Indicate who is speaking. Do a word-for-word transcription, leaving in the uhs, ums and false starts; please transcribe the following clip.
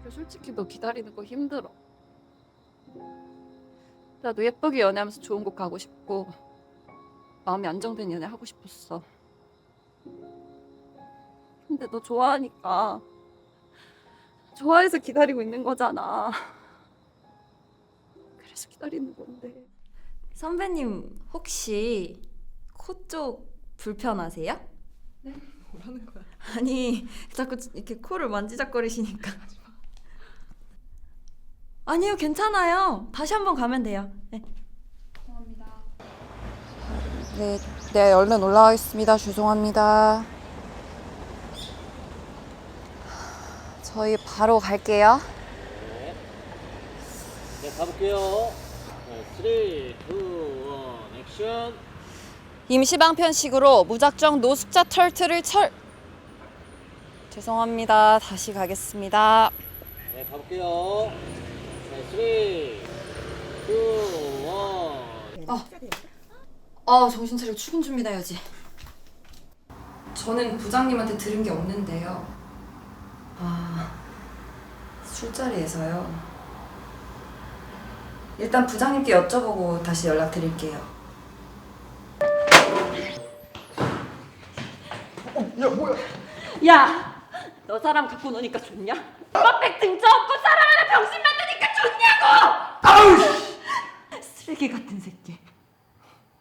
Speaker 1: 솔직히 너 기다리는 거 힘들어. 나도 예쁘게 연애하면서 좋은 곳 가고 싶고 마음이 안정된 연애 하고 싶었어. 근데 너 좋아하니까 좋아해서 기다리고 있는 거잖아. 그래서 기다리는 건데.
Speaker 2: 선배님 혹시 코 쪽 불편하세요?
Speaker 1: 네?
Speaker 3: 뭐라는 거야?
Speaker 2: 아니 자꾸 이렇게 코를 만지작거리시니까. 아니요 괜찮아요. 다시 한번 가면 돼요. 네.
Speaker 1: 죄송합니다.
Speaker 4: 네, 네, 얼른 올라가겠습니다. 죄송합니다. 저희 바로 갈게요.
Speaker 5: 네. 네, 가볼게요. 네, 삼, 이, 일, 액션.
Speaker 4: 임시방편식으로 무작정 노숙자 털트를 철. 죄송합니다. 다시 가겠습니다.
Speaker 5: 네, 가볼게요. 네, 삼, 이, 일.
Speaker 2: 아 정신 차리고 출근 준비나 해야지. 저는 부장님한테 들은 게 없는데요. 아 술자리에서요. 일단 부장님께 여쭤보고 다시 연락드릴게요.
Speaker 1: 야! 너 사람 갖고 노니까 좋냐? 빡백 등쳐 업고 사람 하나 병신 만드니까 좋냐고! 아우! 쓰레기 같은 새끼.